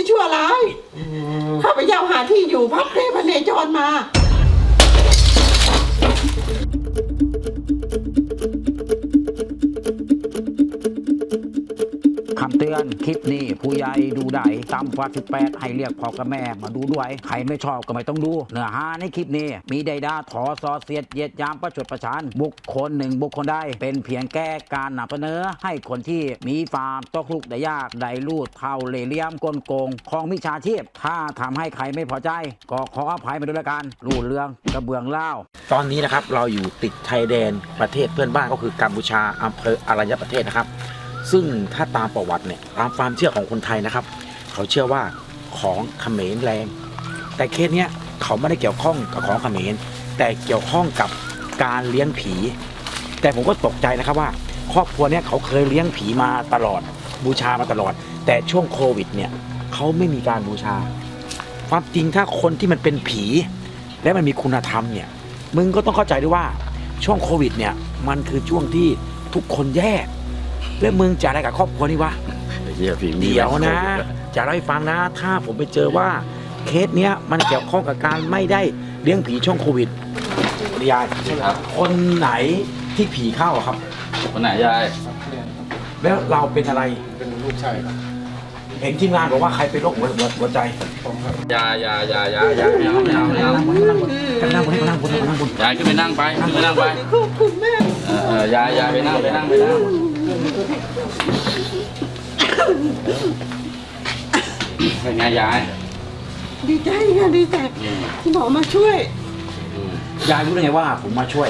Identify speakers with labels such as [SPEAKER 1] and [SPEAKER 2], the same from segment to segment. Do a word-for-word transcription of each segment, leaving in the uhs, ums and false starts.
[SPEAKER 1] ชั่วร้ายข้าพเจ้าหาที่อยู่พักเพลพเนจรมา
[SPEAKER 2] คำเตือนคลิปนี้ผู้ใหญ่ดูได้ต่ำกว่าสิบแปดให้เรียกพ่อกับแม่มาดูด้วยใครไม่ชอบก็ไม่ต้องดูเนื้อหาในคลิปนี้มีใดด่าถอซอเสียดเหยียดยามประชดประชันบุคคลหนึ่งบุคคลใดเป็นเพียงแก้การนำเสนอให้คนที่มีความตกทุกข์ได้ยากได้ลูดเท่าเล่ห์เหลี่ยมกลโกงของมิจฉาชีพถ้าทำให้ใครไม่พอใจก็ขออภัยมาด้วยละกันรูดเรื่องกระเบื้องเล่าตอนนี้นะครับเราอยู่ติดชายแดนประเทศเพื่อนบ้านก็คือกัมพูชาอำเภออรัญญประเทศนะครับซึ่งถ้าตามประวัติเนี่ยตามความเชื่อของคนไทยนะครับเขาเชื่อว่าของเขมรแรงแต่เคสเนี้ยเขาไม่ได้เกี่ยวข้องกับของเขมรแต่เกี่ยวข้องกับการเลี้ยงผี แต่ผมก็ตกใจนะครับว่าครอบครัวเนี้ยเขาเคยเลี้ยงผีมาตลอดบูชามาตลอดแต่ช่วงโควิดเนี่ยเขาไม่มีการบูชาความจริงถ้าคนที่มันเป็นผีและมันมีคุณธรรมเนี่ยมึงก็ต้องเข้าใจด้วยว่าช่วงโควิดเนี่ยมันคือช่วงที่ทุกคนแย่แล้วมึงจะอะไรกับครอบครัวนี่วะเดี๋ยวนะจะเล่าให้ฟังนะถ้าผมไปเจอว่าเคสเนี้ยมันเกี่ยวข้องกับการไม่ได้เลี้ยงผีช่วงโควิดยายคนไหนที่ผีเข้าครับ
[SPEAKER 3] คนไหนยาย
[SPEAKER 2] แล้วเราเป็นอะไร
[SPEAKER 4] เป็นลูกชายครับ
[SPEAKER 2] เห็นทีมงานบอกว่าใครเป็นโรคหัวหัวใจ
[SPEAKER 4] ผมครับ
[SPEAKER 3] ยายายายายาไม่เอาไม่เอาไม่เอา
[SPEAKER 2] กันนั่งบนให้มานั่งบนให้มานั่งบน
[SPEAKER 3] ยายขึ้นไปนั่งไปขึ้นไปนั่งไป
[SPEAKER 1] ขอบคุณแม่
[SPEAKER 3] เออยายยายไปนั่งไปนั่งไปนั่งเป็นไงยาย
[SPEAKER 1] ดีใจค่ะดีใจที่หมอมาช่วย
[SPEAKER 2] ยายรู้ได้ไงว่าผมมาช่วย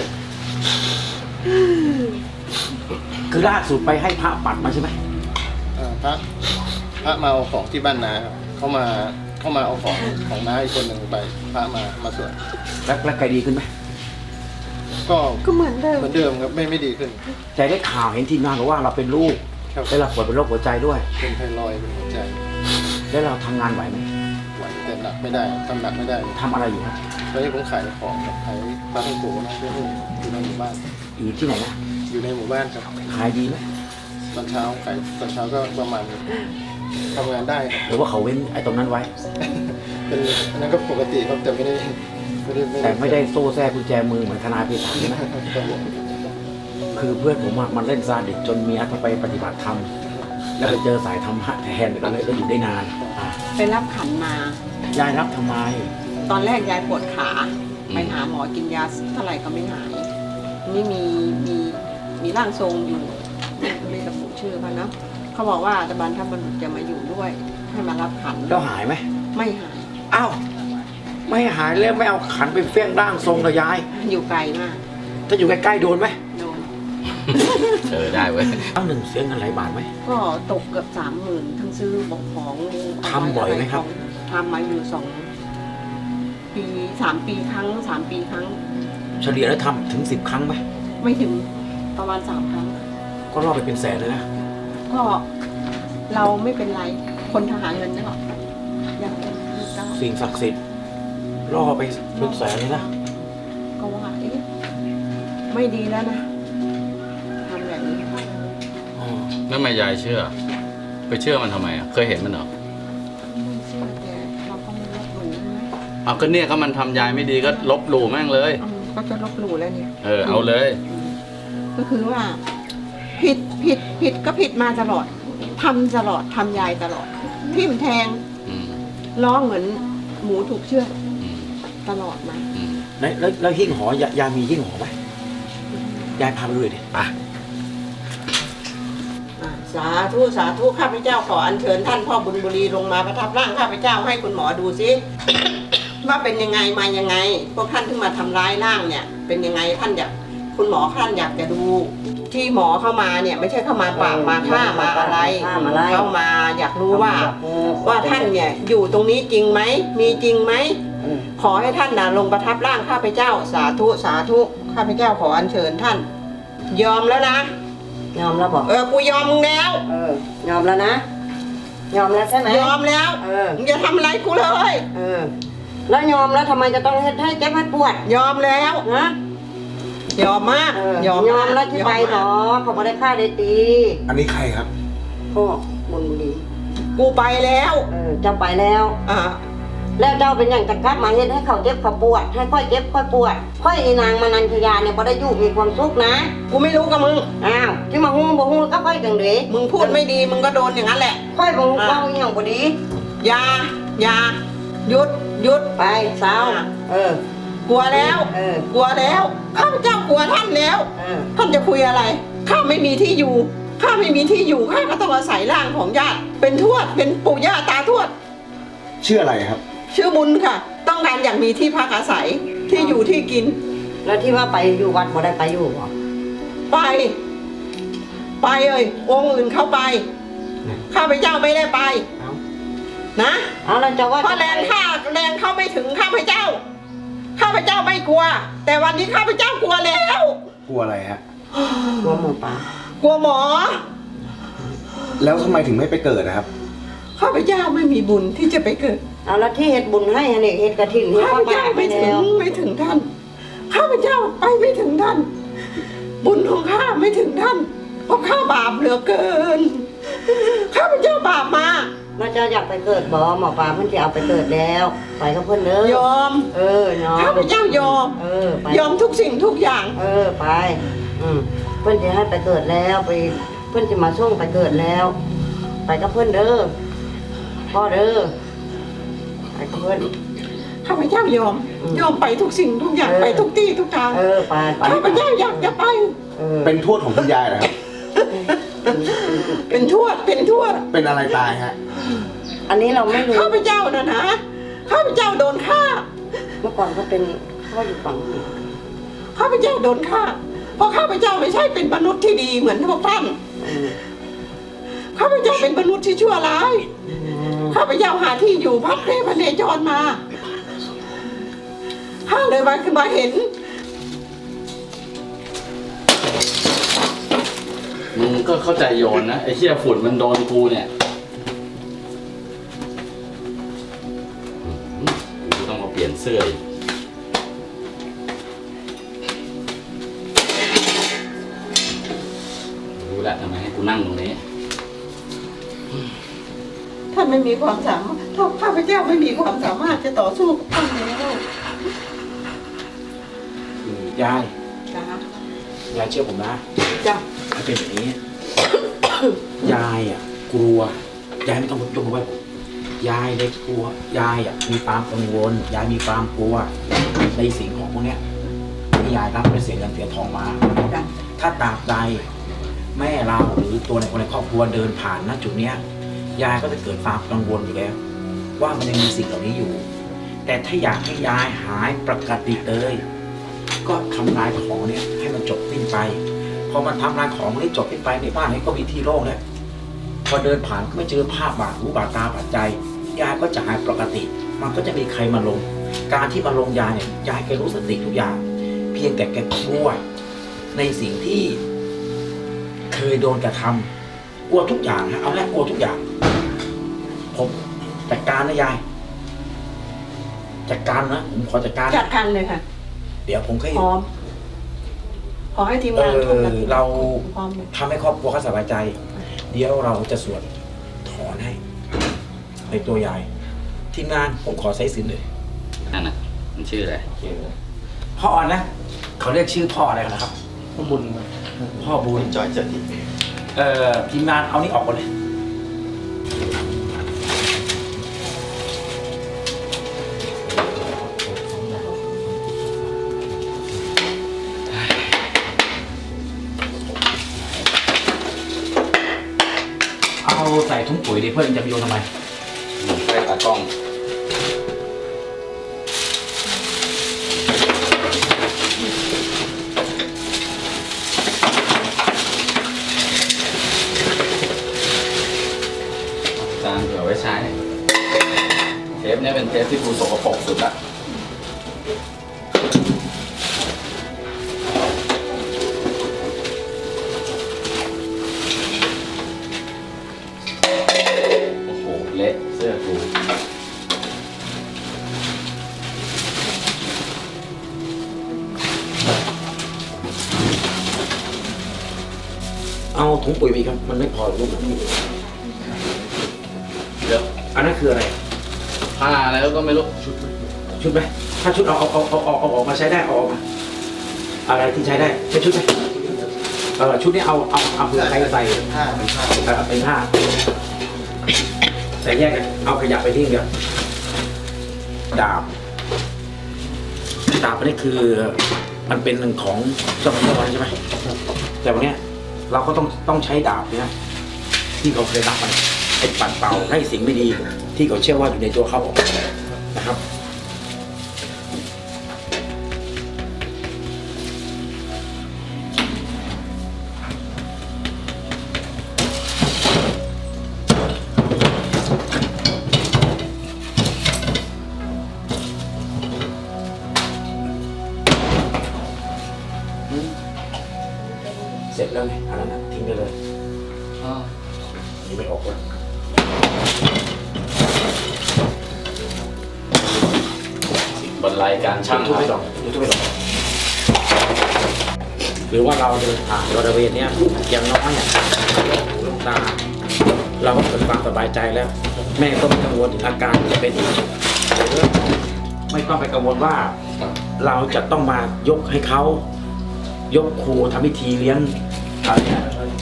[SPEAKER 2] คือล่าสุดไปให้พระปัดมาใช่ไหม
[SPEAKER 4] พระพระมาเอาของที่บ้านนาครับเขามาเขามาเอาของของน้าอีกคนหนึ่งไปพระมามาสวด
[SPEAKER 2] แล้วแล้วใครดีขึ้นไหม
[SPEAKER 4] ก็
[SPEAKER 1] ก็เหมือนเดิม
[SPEAKER 4] เหมือนเดิมครับไม่ไม่ดีขึ้น
[SPEAKER 2] ใจได้ข่าวเห็นทีมงานบอกว่าเราเป็นลูกแล้วเราป่วยเป็นโรคหัวใจด้วย
[SPEAKER 4] เป็นไทรอยด์เป็นหัวใจ
[SPEAKER 2] แล้วเราทำงานไหวไหม
[SPEAKER 4] ไหวแต่หนักไม่ได้ทำหนักไม่ได้
[SPEAKER 2] ทำอะไรอยู่ครับ
[SPEAKER 4] ตอนนี้ผมขายของขายปลาท่องโกนะเพื่อนอยู่ในหมู่บ้าน
[SPEAKER 2] อยู่ที่ไหนนะ
[SPEAKER 4] อยู่ในหมู่บ้านครับ
[SPEAKER 2] ขายดีไหม
[SPEAKER 4] ตอนเช้าขายตอนเช้าก็ประมาณทำงานได้ครับ
[SPEAKER 2] หรือว่าเขาเว้นไอ้ตรงนั้นไว้
[SPEAKER 4] เป็นอันนั้นก็ปกติครับแต่ไม่ได้ไม่ได้
[SPEAKER 2] แต่ไม่ได้โซ่แทรกกุญแจมือเหมือนทนายพิธาใช่ไหมคือเพื่อนผมมันเล่นซาดิสจนเมียต้องไปปฏิบัติธรรมแล้วไปเจอสายธรรมะแทนก็เลยก็อยู่ได้นาน
[SPEAKER 1] ไปรับขันม
[SPEAKER 2] ายายรับทำไม
[SPEAKER 1] ตอนแรกยายปวดขาไปหาหมอกินยาเท่าไหร่ก็ไม่หายนี่มีมีมีร่างทรงอยู่ไม่ระบุชื่อเขานะเขาบอกว่าตะบันทับบรรลุจะมาอยู่ด้วยให้มารับขัน
[SPEAKER 2] แล้วหายไหม
[SPEAKER 1] ไม่หาย
[SPEAKER 2] อ้าวไม่หายแล้วไม่เอาขันไปเฟี้ยงร่างทรงกับยาย
[SPEAKER 1] อยู่ไกลมาก
[SPEAKER 2] ถ้าอยู่ใกล้ๆโดนไหม
[SPEAKER 1] โดน
[SPEAKER 3] เออได้เว้ย
[SPEAKER 2] ตั้งหนึ่งเสียเงินหลายบาทไหม
[SPEAKER 1] ก็ตกเกือบสามหมื่นทั้งซื้อบอกของ
[SPEAKER 2] ทำบ่อยไหมครับ
[SPEAKER 1] ทำมาอยู่สองปีสามปีครั้งสามปีครั้ง
[SPEAKER 2] เฉลี่ยแล้วทำถึงสิบครั้งไหม
[SPEAKER 1] ไม่ถึงประมาณสามครั้ง
[SPEAKER 2] ก็รอดไปเป็นแสนเลยนะ
[SPEAKER 1] ก็เราไม่เป็นไรคนทหารเงินเนาะยังเป็น
[SPEAKER 2] สิ่งศักดิ์สิทธิ์ล่อไปเป็นแสนเลยนะ
[SPEAKER 1] ก็ว่าเอ๊ะไม่ดีแล้วนะทำแบบนี้
[SPEAKER 3] แล้วทำไมยายเชื่อไปเชื่อมันทำไมอ่ะเคยเห็นมันเหรอ
[SPEAKER 1] ไม่เชื่อแต่เราก็ไม่ลบหลู่นะ
[SPEAKER 3] เอาก็เนี่ยเขามันทำยายไม่ดีก็ลบหลู่แม่งเลย
[SPEAKER 1] ก็จะลบหลู่แล้วเนี่ย
[SPEAKER 3] เออเอาเลย
[SPEAKER 1] ก็คือว่าผิดผิดผิดก็ผิดมาตลอดทำตลอดทำยายตลอดทิ่มแทงร้องเหมือนหมูถูกเชือดตลอดมา
[SPEAKER 2] แล้วแล้วหิ้งหอยายามีหิ้งหอไหมยายพาไปดูดิอ่ะ
[SPEAKER 1] สาธุสาธุข้าพเจ้าขออัญเชิญท่านพ่อบุญบุรีลงมาประทับร่างข้าพเจ้าให้คุณหมอดูซิว่าเป็นยังไงมายังไงพวกท่านที่มาทำร้ายร่างเนี่ยเป็นยังไงท่านอยากคุณหมอท่านอยากจะดูที่หมอเข้ามาเนี่ยไม่ใช่เข้ามาปราบมาฆ่ามาอะไรเข้ามาอยากรู้ว่าว่าท่านเนี่ยอยู่ตรงนี้จริงไหมมีจริงไหมขอให้ท่านนะลงประทับร่างข้าพเจ้าสาธุสาธุข้าพเจ้าขออัญเชิญท่านยอมแล้วนะ
[SPEAKER 5] ยอมแล้วบอก
[SPEAKER 1] เออกูยอมมึงแล้ว
[SPEAKER 5] เออยอมแล้วนะยอมแล้วใช่ไหม
[SPEAKER 1] ยอมแล้วเออมึงอย่าทำอะไรกูเลย
[SPEAKER 5] เออแล้วยอมแล้วทำไมจะต้องให้เจ็บให้ปวด
[SPEAKER 1] ยอมแล้ว
[SPEAKER 5] นะ
[SPEAKER 1] ยอมมาก
[SPEAKER 5] ยอมยอมแล้วที่ไปหรอเขาไม่ได้ฆ่าได้ตี
[SPEAKER 2] อันนี้ใครครับ
[SPEAKER 5] พ่อบุญบุรี
[SPEAKER 1] กูไปแล้ว
[SPEAKER 5] เออเจ้าไปแล้ว
[SPEAKER 1] อ่า
[SPEAKER 5] แล้วเจ้าเป็นอย่างจะกลับมาเฮ็ดให้เขาเจ็บเขาปวดให้ค่อยเจ็บค่อยปวดค่อยอีนางมานันทยาเนี่ยบ่ได้อยู่มีความสุขนะ
[SPEAKER 1] กูไม่รู้กับมึง
[SPEAKER 5] อ้าวที่มาฮู้บ่ฮู้ก็ค่อยจังเด้
[SPEAKER 1] มึงพูดไม่ดีมึงก็โดนอย่างนั้นแหละ
[SPEAKER 5] ค่อยบ่ฮู้เว้าอีหยังบ่ดี
[SPEAKER 1] อย่าอย่าหยุดหยุด
[SPEAKER 5] ไปสาวเออก
[SPEAKER 1] ลัวแล้ว
[SPEAKER 5] เออ
[SPEAKER 1] กลัวแล้วข้าพเจ้ากลัวท่านแล้ว
[SPEAKER 5] เออ
[SPEAKER 1] ท่านจะคุยอะไรข้าไม่มีที่อยู่ข้าไม่มีที่อยู่ข้าก็ต้องอาศัยร่างของญาติเป็นทวดเป็นปู่ย่าตาทวด
[SPEAKER 4] ชื่ออะไรครับ
[SPEAKER 1] ชื่อบุญค่ะ ต้องการอยากมีที่พักอาศัยที่อยู่ที่กิน
[SPEAKER 5] แล้วที่ว่าไปอยู่วัดบ่ได้ไปอยู่บ่
[SPEAKER 1] ไป ไปเอ้ยองค์อื่นเข้าไปข้าพเจ้าไม่ได้ไป
[SPEAKER 5] เอา
[SPEAKER 1] นะ
[SPEAKER 5] เอาแล้วเจ้าว่า
[SPEAKER 1] เพราะแรงข้าแรงเข้าไม่ถึงข้าพเจ้าข้าพเจ้าไม่กลัว แต่วันนี้ข้าพเจ้ากลัวแล้ว
[SPEAKER 4] กลัวอะไรฮะ
[SPEAKER 5] กลัวหมูป่าก
[SPEAKER 1] ลัวหมอ
[SPEAKER 4] แล้วทำไมถึงไม่ไปเกิดนะครับ
[SPEAKER 1] ข้าพเจ้าไม่มีบุญที่จะไปเกิด
[SPEAKER 5] เอาแล้วที่เฮ็ดบุญให้อันนี้เฮ็ดกระถิ่นเฮ็ด
[SPEAKER 1] ข้า
[SPEAKER 5] ผ้า
[SPEAKER 1] พเจ้า
[SPEAKER 5] ป่าไป
[SPEAKER 1] ไม่ถึ
[SPEAKER 5] แล้
[SPEAKER 1] ง
[SPEAKER 5] ว
[SPEAKER 1] ไม่ถึงท่าน ข้าพเจ้าไปไม่ถึงท่าน บุญของข้าไม่ถึงท่าน เพราะข้าบาปเหลือเกิน ข้าพเจ้าบาปมา
[SPEAKER 5] แล้วเจ้าอยากไปเกิดบ่หมอปลาเพิ่นสิเอาไปเกิดแล้ว ไปกับเพิ่นเด้อย
[SPEAKER 1] อม
[SPEAKER 5] เออยอม
[SPEAKER 1] ข้าพเจ้ายอม
[SPEAKER 5] เออไป
[SPEAKER 1] ยอมทุกสิ่งทุกอย่าง
[SPEAKER 5] เออไป อืมเพิ่นจะให้ไปเกิดแล้วไปเพิ่นจะมาส่งไปเกิดแล้ว ไปกับเพิ่นเด้อพ่อเด้อไปกับเพิ่น
[SPEAKER 1] ข้าพเจ้ายอม
[SPEAKER 5] อืม
[SPEAKER 1] ยอมไปทุกสิ่งทุกอย่าง
[SPEAKER 5] เออ
[SPEAKER 1] ไปทุกที่ทุกทาง
[SPEAKER 5] เออไปไป
[SPEAKER 1] ข้าพเจ้าอยากจะไป
[SPEAKER 5] เออ
[SPEAKER 4] เป็นทวดของคุณยายเหรอครับ
[SPEAKER 1] เป็นทวด เป็นทวด
[SPEAKER 4] เป็นอะไรตายฮะ
[SPEAKER 5] อันนี้เราไม่รู้
[SPEAKER 1] ข้าพเจ้านะนะ ข้าพเจ้าโดนฆ่า
[SPEAKER 5] เมื่อก่อนเขาเป็นเขาอยู่ฝั่งนี้
[SPEAKER 1] ข้าพเจ้าโดนฆ่า เพราะข้าพเจ้าไม่ใช่เป็นมนุษย์ที่ดีเหมือนพวกท่าน
[SPEAKER 5] อืม
[SPEAKER 1] ข้าพเจ้าเป็นมนุษย์ที่ชั่วร้าย
[SPEAKER 5] อืม
[SPEAKER 1] ข้าพเจ้าหาที่อยู่พักเรพเนจรมาข้าเลยมาขึ้นมาเห็น
[SPEAKER 3] มึงก็เข้าใจโยนนะไอ้เหี้ยฝุ่นมันโดนกูเนี่ยอืมกูต้องมาเปลี่ยนเสื้ออีกรู้แหละทำไมให้กูนั่งตรงนี้
[SPEAKER 1] ท่านไม่มีความสามารถถ้าข้าพเจ้าไม่มีความสามารถจะต่อสู้กับท่านแล้ว
[SPEAKER 2] ยาย
[SPEAKER 1] จ้าย
[SPEAKER 2] ายเชื่อผมนะ
[SPEAKER 1] จ้า
[SPEAKER 2] มันเป็นแบบนี้ ยายอ่ะกลัวยายไม่ต้องยกมือไหว้ผมยายเด็กกลัวยายอ่ะมีความกังวล ยายมีความกลัวในสิ่งของพวกเนี้ยที่ยายรับไปเสียเงินเสียทองมา
[SPEAKER 1] จ้า
[SPEAKER 2] ถ้าตราบใดแม่เราหรือตัวในคนในครอบครัวเดินผ่านณจุดเนี้ยยายก็จะเกิดความกังวลอยู่แล้ว ว่ามันยังมีสิ่งเหล่านี้อยู่ แต่ถ้าอยากให้ยายหายปกติเลยก็ทำลายของเนี่ยให้มันจบสิ้นไปพอมันทำลายของนี้จบสิ้นไปในบ้านนี้ก็มีที่โล่งแล้วพอเดินผ่านก็ไม่เจอภาพบาดหูบาดตาบาดใจยายก็จะหายปกติ มันก็จะมีใครมาลง การที่มาลงยายเนี่ยยายแกรู้สติทุกอย่าง เพียงแต่แกกลัวในสิ่งที่เคยโดนกระทำกลัวทุกอย่างฮะเอาแรกกลัวทุกอย่าง ผมจัดการนะยายจัดการนะผมขอจัดการ
[SPEAKER 1] จัดการเลยค่ะ
[SPEAKER 2] เดี๋ยวผมแค่
[SPEAKER 1] พร้อม ขอให้ทีม
[SPEAKER 2] เอง
[SPEAKER 1] านทุกคน
[SPEAKER 2] อเรา
[SPEAKER 1] พร้อมเลย
[SPEAKER 2] ทำให้ครอบครัวเขาสบายใจ เดี๋ยวเราจะสวดถอนให้ในตัวยายทีมงานผมขอใช้สินเลย
[SPEAKER 3] นั่นน่ะมันชื่ออะไร
[SPEAKER 2] พ่ออ่อนนะเขาเรียกชื่อพ่ออะไรกันนะครับ
[SPEAKER 4] พ่อบุญ
[SPEAKER 2] พ่อบุญ
[SPEAKER 4] จอยเจดี
[SPEAKER 2] เอ่อทีมงานเอานี่ออกก่อนเลยเอาใส่ถุงปุ๋ยดิเพื่อนจะไปโยนทำไม
[SPEAKER 3] มึงใช้ตากล้องจานเผื่อไว้ใช้เทปเนี้ยเป็นเทปที่กูสกปรกสุดละโอ้โห เละเสื้อกู
[SPEAKER 2] เอาถุงปุ๋ยไปครับ มันไม่พอรูปมันไม่มีอันนั้นคืออะไร
[SPEAKER 3] ผ้าแล้วก็ไม่รู้
[SPEAKER 2] ชุดไหมถ้าชุดเอาเอาเอาเอาเอาเอาออกมาใช้ได้เอาออกมาอะไรที่ใช้ได้ใช้ชุดไหมเออชุดนี้เอาเอาเอาเผื่อใครใส่
[SPEAKER 4] ผ้าเป็นผ้า
[SPEAKER 2] เออเป็นผ้าแต่แยกกันเอาขยะไปทิ้งเดียวดาบดาบอันนี้คือมันเป็นของเจ้าพระวันใช่ไหมแต่วันเนี้ยเราก็ต้องต้องใช้ดาบเนี่ยที่เขาเคยรับมันไอ้ปัดเป่าให้สิ่งไม่ดีที่เขาเชื่อว่าอยู่ในตัวเขาออกนะครับ เสร็จแล้วไงอันนั้นนะทิ้งไปเลยนี่ไม่ออกเลย
[SPEAKER 3] บรรลัยการช่าง
[SPEAKER 2] ทุบ
[SPEAKER 3] ค
[SPEAKER 2] ไม่ด
[SPEAKER 3] รั
[SPEAKER 2] อบ กทุบไม่ดอกหรือว่าเราเดินผ่านบริเวณเนี้ยอย่างน้อยเนี่ยหูลูกตา เราก็เกิดความสบายใจแล้ว แม่ก็ไม่กังวลถึงอาการที่จะเป็นอีกไม่ต้องไปกังวลว่า เราจะต้องมายกให้เขายกครูทำพิธีเลี้ยงอะไรเนี่ย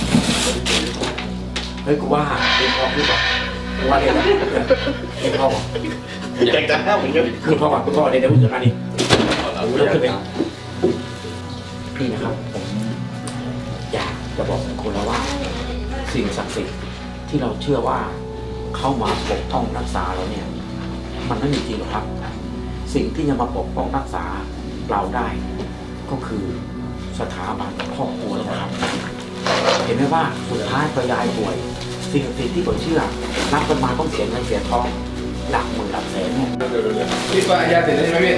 [SPEAKER 2] เฮ้ยกูว่าเรียนพ่อพูดบอกกูว่าเรียนเรียนพ่อบอก
[SPEAKER 4] อยากจะห้ามเหมือนกัน
[SPEAKER 2] คือพ่อบอกคุณพ่อเรียนได้พูดถึงอันนี้
[SPEAKER 3] เรา
[SPEAKER 2] รู้
[SPEAKER 3] เลื
[SPEAKER 2] แล้
[SPEAKER 3] อ
[SPEAKER 2] ว
[SPEAKER 3] ก
[SPEAKER 2] คือเป็น
[SPEAKER 3] นะ
[SPEAKER 2] พี่นะครับผมอยากจะบอกคนเราว่า สิ่งศักดิ์สิทธิ์ที่เราเชื่อว่าเข้ามาปกป้องรักษาเราเนี่ย มันไม่มีจริงหรอกครับ สิ่งที่จะมาปกป้องรักษาเราได้ ก็คือสถาบันครอบครัวแล้วนะครับ เห็นไหมว่าสุดท้ายพอยายป่วย สิ่งศักดิ์สิทธิ์ที่ผมเชื่อรับกันมาต้องเสียเงินเสียทองหลักหมื่นหลักแสนเนี่ย
[SPEAKER 3] พี่ป้ายาเสร็จแล้วใช่ไหมพี่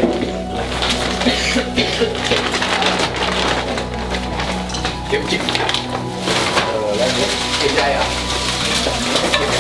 [SPEAKER 3] เก็บจิ๊บเออแล้วเก็บใจอ่ะ